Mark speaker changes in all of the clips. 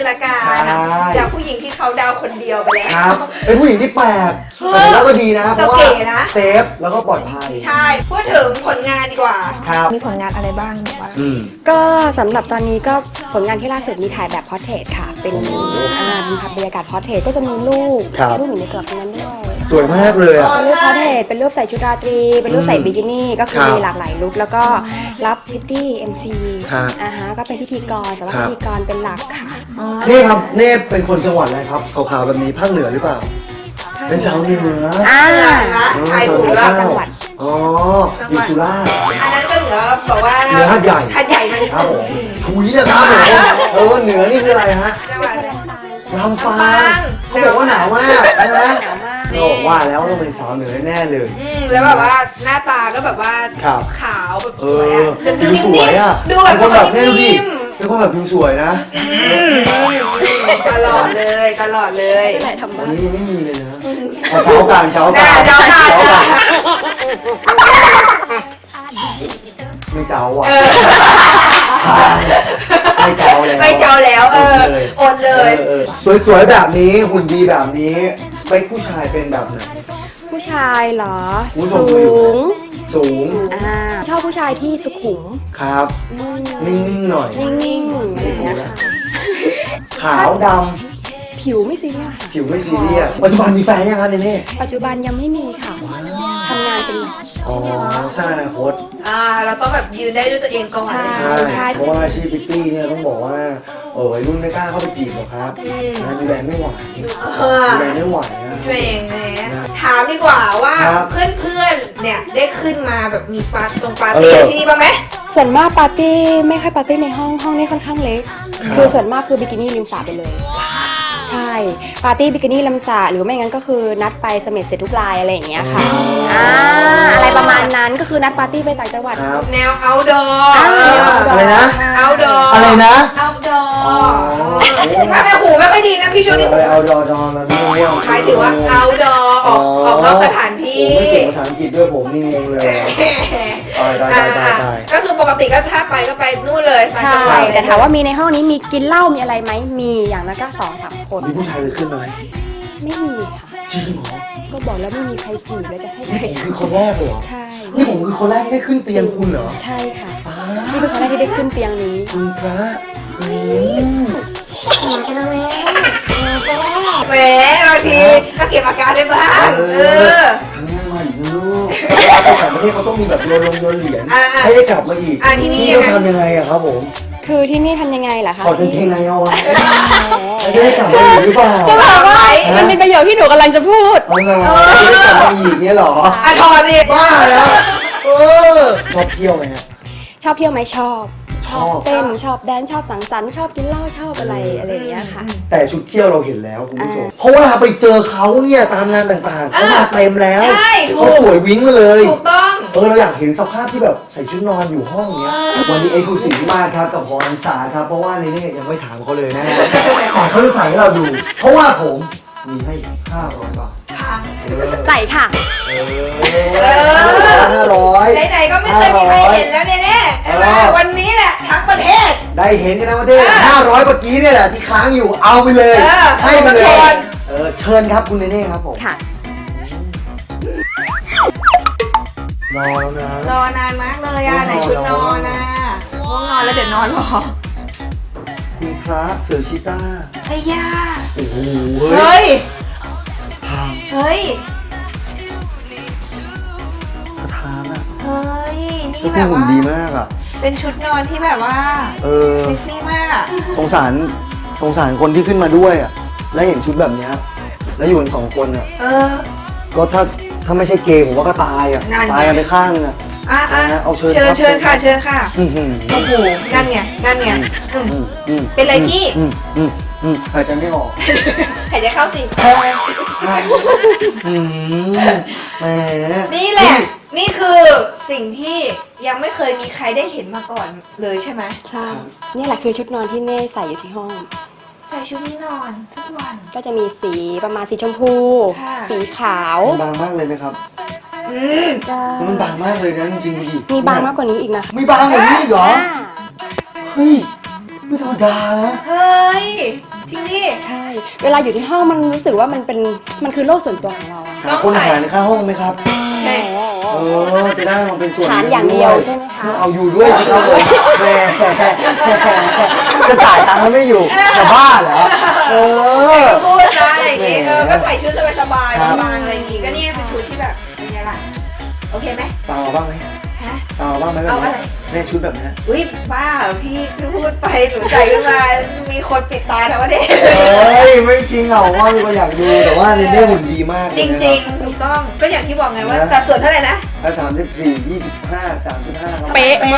Speaker 1: ละกันจากผู้หญิงที่เขาดาวคนเดียวไปแล้ว
Speaker 2: ครับเป็นผู้หญิงที่แปลกแต่แล้วก็ดีนะเพราะว่าเซฟแล้วก็ปลอดภัย
Speaker 1: ใช่พูดถึงผลงานดีกว่า
Speaker 2: ครับ
Speaker 1: มีผลงานอะไรบ้าง
Speaker 3: ก็สำหรับตอนนี้ก็ผลงานที่ล่าสุดมีถ่ายแบบพอร์เทรตค่ะเป็นภาพบรรยากาศพอร์เทรตก็จะมีรูปอยู่ในกรอบนั้นด้วย
Speaker 2: สวยมากเลยอ่ะ
Speaker 3: รูปพอร์เทรตเป็นรูปใส่ชุดราตรีเป็นรูปใส่บิกินี่ก็คือมีหลากหลายลุคแล้วก็รับพิตตี้MC ก็เป็นพิธีกรแต่ว่าพิธีกรเป็นหลักค่ะ
Speaker 2: นี่ครับเน่เป็นคนจังหวัดอะไรครับขาวๆแบบนี้ภาคเหนือหรือเปล่าเป็นชาวเหนือ
Speaker 1: ใช่ถูกแล้ว
Speaker 3: จังหวัด
Speaker 2: อ๋ออยู่สุราษฎร์
Speaker 1: อันนั้นก็เหนือบอกว่า
Speaker 2: เหนือหาดใหญ่
Speaker 1: มัน
Speaker 2: ครับผมถุยนะครับผมเหนือนี่คืออะไรฮะลำปางเขาบอกว่าหนาวมากใช่ไหมบอกว่าแล้วต้องเป็นสาวเหนือแน่เลย
Speaker 1: แล้วแบบว่าหน้าตาก็แบบว่าขาวแบบสวยอ่ะ
Speaker 2: ผิวสวยอ่ะดูแบบแน่ดูดิเป็นคนแบบผิวสวยนะ
Speaker 1: ตลอดเลย
Speaker 2: วันนี้ไม่มีเลยนะเจ้ากันไม่เจ้าอ่ะไม่เจ้า
Speaker 1: แล้วอดเลย
Speaker 2: สวยๆแบบนี้หุ่นดีแบบนี้สเปคผู้ชายเป็นแบบไหน
Speaker 3: ผู้ชายเหรอสูงชอบผู้ชายที่สุขุม
Speaker 2: ครับนิ่งๆหน่อย
Speaker 3: นิ่งๆอย่างเงี้ยค่ะ
Speaker 2: ขาวด
Speaker 3: ำผิวไม่ซีเรียส
Speaker 2: ผิวไม่ซีเรียสปัจจุบันมีแฟนยังคะเน่
Speaker 3: ปัจจุบันยังไม่มีค่ะทำงานเป็นหลัก
Speaker 2: สร้างอนาคต
Speaker 1: เราต้องแบบยืนได้ด้วยตัวเองก่อน
Speaker 2: ใช่เพราะว่าอาชีพพิตตี้เนี่ยต้องบอกว่าวัยรุ่นไม่กล้าเข้าไปจีบหรอกครับดูแลไม่ไหวนะ
Speaker 1: เองถามดีกว่าว่าเพื่อนๆเนี่ยได้ขึ้นมาแบบมีปาร์ตี้ที่นี่บ้างไหม
Speaker 3: ส่วนมากปาร์ตี้ไม่ค่อยปาร์ตี้ในห้องนี่ค่อนข้างเล็กคือส่วนมากคือบิกินี่ริมสระไปเลยใช่ปาร์ตี้บิกินี่ริมสระหรือไม่งั้นก็คือนัดไปเสม็ดเสร็จทุกรายอะไรอย่างเงี้ยค่ะอะไรประมาณนั้นก็คือนัดปาร์ตี้ไปต่างจังหวัด
Speaker 1: แนว outdoor
Speaker 2: อะไรนะ
Speaker 1: outdoor
Speaker 2: อะไรนะ
Speaker 1: outdoor ถ้าไม่หูไม่ค่อยดีนะพี่ช่วงนี้
Speaker 2: outdoor แล้วนี่
Speaker 1: หมายถึงว่า outdoor ออกนอกสถานที่
Speaker 2: ไม่เก่งภาษาอังกฤษด้วยผมนี่งงเลยตาย
Speaker 1: ก็คือปกติก็ถ้าไปก็ไปนู่นเลย
Speaker 3: ใช่แต่ถามว่ามีในห้องนี้มีกินเหล้ามีอะไรไหมมีอย่างนั้นก็2-3 คน
Speaker 2: มีผู้ชายเลยขึ้นไหม
Speaker 3: ไม่มีค่ะ
Speaker 2: จริงเหรอ
Speaker 3: ก็บอกแล้วไม่มีใครจีบแล้วจะให้ใคร
Speaker 2: คือคนแรกเหรอ
Speaker 3: ใช่
Speaker 2: นี่ผมคือคนแรกที่ได้ขึ้นเตียงคุณเหรอ
Speaker 3: ใช่ค่ะนี่เป็นคนแรกที่ได้ขึ้นเตียงนี้
Speaker 2: คุณพระ
Speaker 1: แหมบางทีก็เก็บอาการได้บ้าง
Speaker 2: ทั้งวันลูกภาษาประเทศเขาต้องมีแบบโยนเหรียญให้ได้กลับมาอีก
Speaker 1: ที่นี่
Speaker 2: ต้องทำยังไงอะครับผม
Speaker 3: คือที่นี่ทำยังไงล่ะคะ
Speaker 2: ขอเป็นเพลงไงเอาวะจะได้กลับมาอีกหรือเปล่า
Speaker 3: จะบอกว่ามันเป็นประโยชน์ที่หนูกำลังจะพูด
Speaker 2: จะได้กลับมาอีกเนี่ยหรอ
Speaker 1: ถอนดิ
Speaker 2: บ้าแล้วชอบเที่ยวไหมฮะ
Speaker 3: ชอบเที่ยวไหมชอบเต้นชอบแดนชอบสังสรรค์ชอบกินเหล้าชอบอะไรอย่างเงี้ยค่ะ
Speaker 2: แต่ชุดเที่ยวเราเห็นแล้วคุณผู้ชมเพราะว่าไปเจอเขาเนี่ยตามงานต่างๆเขามาเต็มแล้วเขาสวยวิ่งมาเลย
Speaker 1: ถูกต้อง
Speaker 2: เราอยากเห็นสภาพที่แบบใส่ชุดนอนอยู่ห้องเนี้ยวันนี้กูสีมากครับกับพรสาครับเพราะว่านี่ยังไม่ถามเขาเลยนะแต่เขาจะใส่ให้เราดูเพราะว่าผมมีให้500 บาท
Speaker 3: ใส่ค่ะ
Speaker 2: 500
Speaker 1: ไหนๆก็ไม่เคยมีใครเห็นแล้วแน่ๆวันนี้แหละทั้งประเทศ
Speaker 2: ได้เห็นกันทั้งประเทศ500เมื่อกี้เนี่ยแหละที่ค้างอยู่เอาไปเลยให้ไปเลยเชิญครับคุณเน่ครับผม
Speaker 3: ค่ะ
Speaker 2: รอแล้วนะ
Speaker 1: รอนานมากเลยไหนชุดนอนง่วงนอนแล้วเดี๋ยวนอนรอ
Speaker 2: คุณพระเสือชีต้า
Speaker 1: ไอ้ย่า
Speaker 2: โอ้โห
Speaker 1: เฮ้ย
Speaker 2: ประธานอะ
Speaker 1: เฮ้ยนี่แบบว่า
Speaker 2: ดีมากอะ
Speaker 1: เป็นชุดนอนที่แบบว่าเซ็กซี่มากอะ
Speaker 2: สงสารคนที่ขึ้นมาด้วยอะแล้วเห็นชุดแบบนี้แล้วอยู่กัน2 คนอะก็ถ้าไม่ใช่เกย์ผมว่าก็ตายอะตายกันไปข้างนึงอะเอาเชิ
Speaker 1: ญค่ะโอ้โหนั่นไงเป็นไรพี่
Speaker 2: หายใจไม่ออก
Speaker 1: หายใจเข้าสินี่แหละนี่คือสิ่งที่ยังไม่เคยมีใครได้เห็นมาก่อนเลยใช่ไหม
Speaker 3: ใช่นี่แหละคือชุดนอนที่เน่ใส่อยู่ที่ห้อง
Speaker 1: ใส่ชุดนอนทุกวัน
Speaker 3: ก็จะมีสีประมาณสีชมพูสีขาว
Speaker 2: บางมากเลยไหมครับมันบางมากเลยนะจริงๆดิ
Speaker 3: มีบางมากกว่านี้อีกนะ
Speaker 2: มีบางกว่านี้อีกเหรอเฮ้ยไม่ธรรมดานะ
Speaker 1: เฮ้ย
Speaker 3: ใช่ เวลาอยู่ที่ห้องมันรู้สึกว่ามันคือโลกส่วนตัวของเราอะ
Speaker 2: หาคนหารค่าห้องไหมครับ
Speaker 1: แหม
Speaker 2: จะได้มาเป็นส่วน
Speaker 3: หารอย่างเดียวใช่ไหมคะ
Speaker 2: เอาอยู่ด้วยสิครับผมแหมจะจ่ายตังค์แล้วไม่อยู่จะบ้าเหรอ
Speaker 1: พูดซะอย่างงี้ก็ใส่ชุดสบายๆบางๆอะไรอย่างงี้ก็นี่เป็นชุดที่แบบเป็นไงล่ะโอเคไหม
Speaker 2: ตามมาบ้างไหม
Speaker 1: ฮะ
Speaker 2: ตามมาบ้างไหมแบบ
Speaker 1: เอาอะไร
Speaker 2: นี้แม่ชุดแบบนี้
Speaker 1: อุ้ยบ้าพี่พูดไปหนูใส่ขึ้นมามีคนปิดตาทั้งประเทศ
Speaker 2: ไม่จริงเหรอว่ามีคนอยากดูแต่ว่าในนี้หุ่นดีมาก
Speaker 1: จริงๆถูกต้องก็อย่างที่บอกไงว่าสัดส่วนเท่าไหร่นะ
Speaker 2: ถ้า34 25 35ครับ
Speaker 3: เป๊ะมาก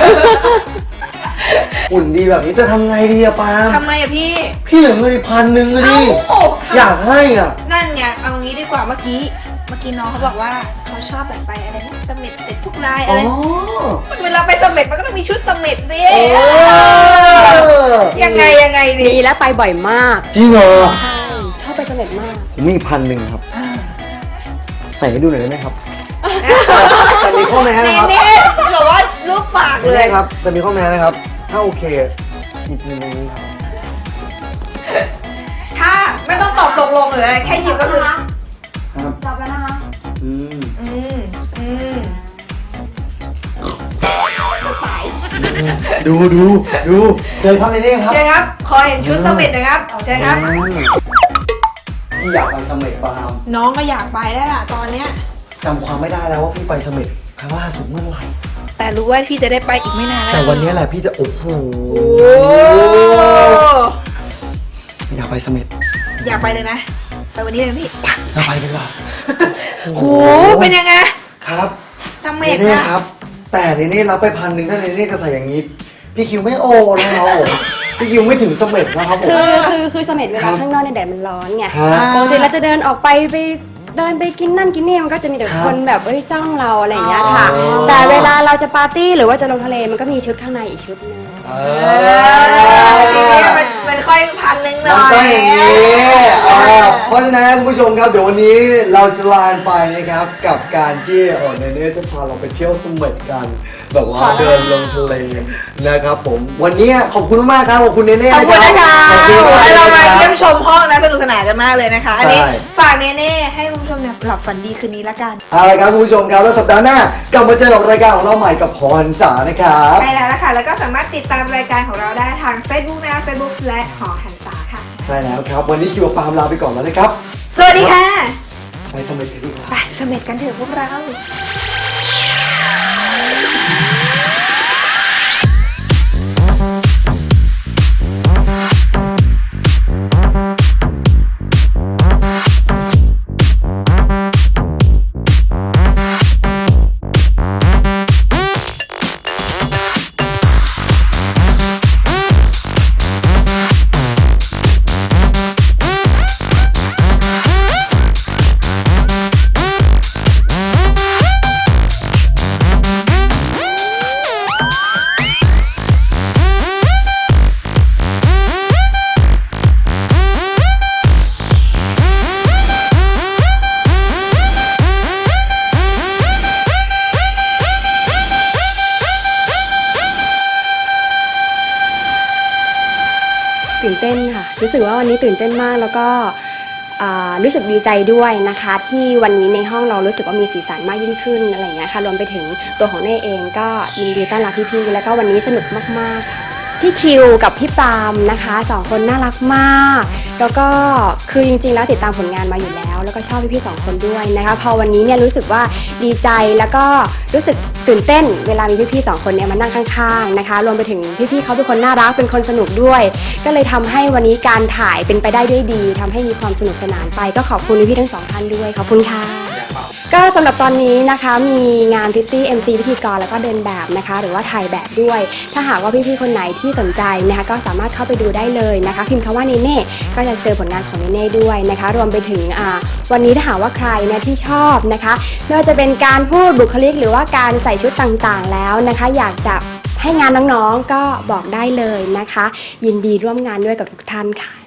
Speaker 2: หุ่นดีแบบนี้จะทำไงดีอะปาล์ม
Speaker 1: ทำไมอะพี่
Speaker 2: พี่เหลือเงิน1,000อะดิ
Speaker 1: เอ้า
Speaker 2: อยากให้อ่ะ
Speaker 1: นั่นไงเอางี้ดีกว่าเมื่อกี้น้องเขาบอกว่าเขาชอบแบบไปอะไรนะเสม็ดเสร็จทุกลาย
Speaker 2: อ๋
Speaker 1: อะ
Speaker 2: อ
Speaker 1: ไรเวลาไปเสม็ดมันก็ต้องมีชุดเสม็ดดิ ยังไงดี
Speaker 3: มีและไปบ่อยมาก
Speaker 2: จริงเหรอ
Speaker 3: ใช่ชอบไปเสม็ดมาก
Speaker 2: ผมมี1,000ครับ ใส่ให้ดูหน่อยได้ไหมครับ แต่มีข้อแม้นะครับ
Speaker 1: นี่แบบว่ารูปปากเล
Speaker 2: ได้
Speaker 1: ย
Speaker 2: ครับแต่มีข้อแม้นะครับ ถ้าโอเคหยิบเงินตรงนี้ครับ
Speaker 1: ถ้าไม่ต้องตอบตกลงหรืออะไรแค่หยิบก็คือ
Speaker 2: ครับ
Speaker 3: จับแล้วนะคะ
Speaker 2: อืม ดูเจอครับในนี้ครับ
Speaker 1: เชิญครับ ขอเห็นชุดเสม็ดนะครับเชิญครับ
Speaker 2: พี่อยากไปเสม็ดปาล์ม
Speaker 1: น้องก็อยากไปได้ล่ะตอนเนี้ย
Speaker 2: จำความไม่ได้แล้วว่าพี่ไปเสม็ดครั้งล่าสุดเมื่อไหร่
Speaker 1: แต่รู้ว่าพี่จะได้ไปอีกไม่นานแล้ว
Speaker 2: แต่วันนี้แหละพี่จะโอ้โห
Speaker 1: โอ้
Speaker 2: อยากไปเสม็ด
Speaker 1: อยากไปเลยนะ ไปวันนี้เลยพี่
Speaker 2: เราไปกันก่อน
Speaker 1: โหเป็นยังไง
Speaker 2: ครับ
Speaker 1: เสม็ด
Speaker 2: นี่
Speaker 1: นะ
Speaker 2: ครับ แต่ในนี้รับไป1,000ถ้าในนี้ก็ใส่อย่างนี้ พี่คิวไม่โอนะครับผมพี่คิวไม่ถึงเสม็ดนะครับผม
Speaker 3: คือเสม็ดเว
Speaker 2: ครั
Speaker 3: ลา
Speaker 2: บ
Speaker 3: ข้างนอกในยแดดมันร้อนไง
Speaker 2: ฮะ
Speaker 3: ปกติเราจะเดินออกไปเดินไปกินนั่นกินนี่มันก็จะมีแต่
Speaker 2: ครับ
Speaker 3: คนแบบจ้องเราอะไรอย่างเงี้ยค่ะ
Speaker 2: อ๋อ
Speaker 3: แต่เวลาเราจะปาร์ตี้หรือว่าจะลงทะเลมันก็มีชุดข้างในอีกชุดนึง
Speaker 1: ทีนี้มันค่อย1,000หน่
Speaker 2: มัน
Speaker 1: อ
Speaker 2: ต้อง
Speaker 1: ย
Speaker 2: อย่างนี้เพราะฉะนั้นคุณผู้ชมครับเดี๋ยววันนี้เราจะลานไปนะครับกับการที่เนเน่จะพาเราไปเที่ยวเสม็ดกัน แบบว่าเดินลงทะเลนะครับผมวันนี้ขอบคุณมากครับขอบคุณเนเน่
Speaker 1: ขอบคุณนะคะ
Speaker 2: ขอบคุณมาก
Speaker 1: เรามา
Speaker 2: นะค
Speaker 1: เยี่
Speaker 2: รั
Speaker 1: ย
Speaker 2: บ
Speaker 1: มชมห้องนะสนุกสนานกันมากเลยนะคะ อันนี้
Speaker 2: ใช่
Speaker 1: ฝากเน่ๆให้คุณผู้ชมเนี่ยหลับฝันดีคืนนี้ละกัน
Speaker 2: เอาละครับคุณผู้ชมครับแล้วสัปดาห์หน้ากลับมาเจอกับรายการของเราใหม่กับพรสานะครับ
Speaker 1: ใช่แล้วนะคะ แล้วก็สามารถติดตามรายการของเราได้ทาง Facebook นะคะ Facebook และหอหันษาค่ะ
Speaker 2: ใช่แล้วครับ วันนี้คิวกับปาล์มลาไปก่อนแล้วนะครับ
Speaker 1: สวัสดีค่ะ
Speaker 2: ไปเสม็ดกันดีกว่า
Speaker 1: ไปเสม็ดกันเถอะพวกเรา
Speaker 3: ตื่นเต้นค่ะ รู้สึกว่าวันนี้ตื่นเต้นมากแล้วก็รู้สึกดีใจด้วยนะคะ ที่วันนี้ในห้องเรารู้สึกว่ามีสีสันมากยิ่งขึ้นอะไรอย่างเงี้ยค่ะรวมไปถึงตัวของเน่เองก็ยินดีต้อนรับพี่ๆแล้วก็วันนี้สนุกมากๆค่ะที่คิวกับพี่ปาล์มนะคะสองคนน่ารักมาก แล้วก็คือจริงๆแล้วติดตามผลงานมาอยู่แล้ว แล้วก็ชอบพี่ๆสองคนด้วยนะคะพอวันนี้เนี่ยรู้สึกว่าดีใจแล้วก็รู้สึกตื่นเต้นเวลามีพี่ๆสองคนเนี่ยมานั่งข้างๆนะคะรวมไปถึงพี่ๆเขาเป็นคนน่ารักเป็นคนสนุกด้วย ก็เลยทำให้วันนี้การถ่ายเป็นไปได้ด้วยดีทำให้มีความสนุกสนานไปก็ขอบคุณพี่ๆทั้งสองท่านด้วยขอบคุณค่ะก็สำหรับตอนนี้นะคะมีงานพิตตี้ MC พิธีกรแล้วก็เดินแบบนะคะหรือว่าถ่ายแบบด้วย ถ้าหากว่าพี่ๆคนไหนที่สนใจนะคะก็สามารถเข้าไปดูได้เลยนะคะพิมพ์คำว่าเนเน่ก็จะเจอผลงานของเนเน่ด้วยนะคะรวมไปถึงวันนี้ถ้าหากว่าใครเนี่ยที่ชอบนะคะไม่ว่าจะเป็นการพูดบุคลิกหรือว่าการใส่ชุดต่างๆแล้วนะคะอยากจะให้งานน้องๆก็บอกได้เลยนะคะยินดีร่วมงานด้วยกับทุกท่านค่ะ